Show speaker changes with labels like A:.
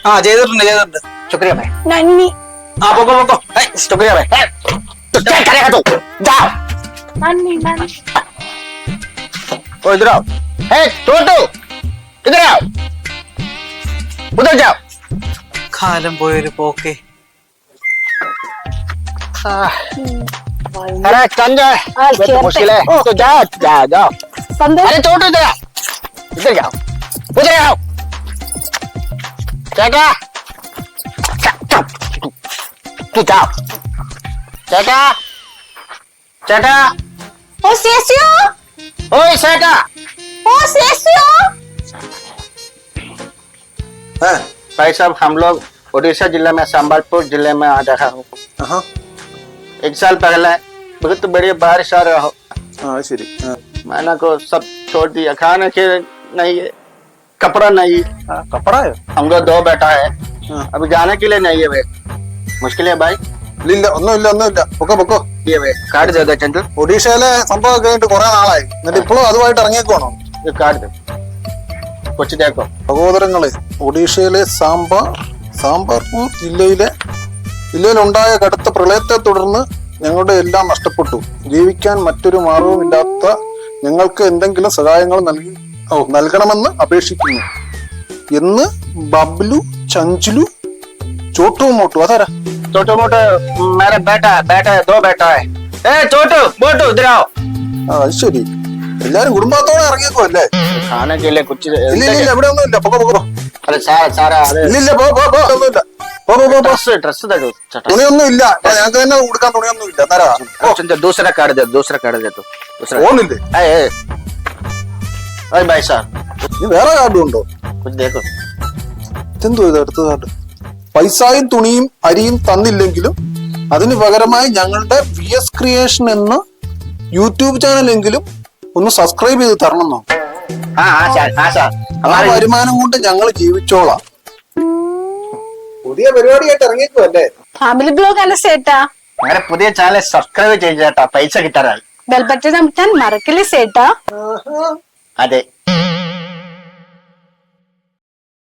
A: हाँ ചെയ്തിട്ടുണ്ട്
B: शुक्रिया भाई।
C: നന്ദി.
A: हाँ पोको
B: शुक्रिया भाई। तो क्या करेगा तू? जाओ।
C: നന്ദി നന്ദി.
B: ओ इधर आओ। हे छोटू, इधर आओ। उधर जाओ।
A: കാലം പോയൊരു പോക്കെ
B: अरे कंजा ये तो मुश्किल है। तो जाओ जाओ जाओ।
C: സന്തോഷം.
B: अरे छोटू इधर आओ, इधर जाओ, उधर आओ। चाचा तू जाओ। चाचा चाचा
C: ഓ സേസിയോ.
B: ओए चाचा।
C: ഓ സേസിയോ.
B: भाई साहब हम लोग उड़ीसा जिला में संबलपुर जिले में आ रहा हूँ। एक साल पहले बहुत बड़ी बारिश आ रहा हो,
D: ശരി.
B: मैंने को सब छोड़ दिया, खाने के नहीं है, कपड़ा नहीं है।
D: കപ്പടായോ?
B: हमको 2 बेटा है, अभी जाने के लिए नहीं है भाई, मुश्किल है भाई।
D: ഇല്ല ഒന്നുമില്ല പൊക്കോ.
B: ये भाई काट दे दो चंदू,
D: ഒഡീഷയിലെ സംഭവം കഴിഞ്ഞിട്ട് കുറെ നാളായി, എന്നിട്ട് ഇപ്പോഴും അതുമായിട്ട് ഇറങ്ങിയേക്കുവാണോ?
B: ये काट दो कुछ देखो।
D: സഹോദരങ്ങളെ, ഒഡീഷയിലെ സാമ്പാർപൂർ ജില്ലയിലുണ്ടായ കടുത്ത പ്രളയത്തെ തുടർന്ന് ഞങ്ങളുടെ എല്ലാം നഷ്ടപ്പെട്ടു. ജീവിക്കാൻ മറ്റൊരു മാർഗവുമില്ലാത്ത ഞങ്ങൾക്ക് എന്തെങ്കിലും സഹായങ്ങൾ നൽകണമെന്ന് അപേക്ഷിക്കുന്നു എന്ന് ബബ്ലു, ചഞ്ചുലു, ചോട്ടു മോട്ടു. അതാരാ?
B: छोटू मोटू मेरा बेटा है, 2 बेटा है। ए छोटू मोटू इधर आओ।
D: അത് ശരി, എല്ലാരും കുടുംബത്തോടെ ഇറങ്ങിയേക്കോ അല്ലേ?
B: खाने के लिए कुछ
D: ഇല്ല ഇവിടെ ഒന്നുമില്ല. പൊക്കോ.
B: अरे सारा सारा
D: ഇല്ല ഒന്നുമില്ല.
B: ड्रेस दे दो चटा।
D: തുണിയൊന്നും ഇല്ല, ഞങ്ങൾക്ക് തന്നെ കൊടുക്കാൻ തുണിയൊന്നും ഇല്ല. തരാ.
B: चंदू दूसरा काट दे तो दूसरा
D: ഫോണില്ലേ?
B: अरे भाई साहब
D: നീ വേറെ കാർഡും ഉണ്ടോ?
B: कुछ देखो।
D: എന്തോ ഇത് അടുത്ത കാർഡ്? പൈസയും തുണിയും അരിയും തന്നില്ലെങ്കിലും അതിന് പകരമായി ഞങ്ങളുടെ VS ക്രിയേഷൻ എന്ന യൂട്യൂബ് ചാനലെങ്കിലും ഒന്ന് സബ്സ്ക്രൈബ് ചെയ്ത് തരണമെന്നോ?
B: हाँ सर
D: ആ
B: हमारे
D: വരുമാനം കൊണ്ട് ഞങ്ങൾ ജീവിച്ചോളാം. പുതിയ പരിപാടിയായിട്ട് ഇറങ്ങിയേക്കോ അല്ലേ?
C: ഫാമിലി ബ്ലോഗ് അല്ല സേട്ടാ.
B: मेरे पुതിയ ചാനൽ സബ്സ്ക്രൈബ് ചെയ്തിട്ടാ പൈസ കിട്ടാറായി.
C: Bell button അമർത്താൻ മറക്കില്ലേ സേട്ടാ.
B: അതെ.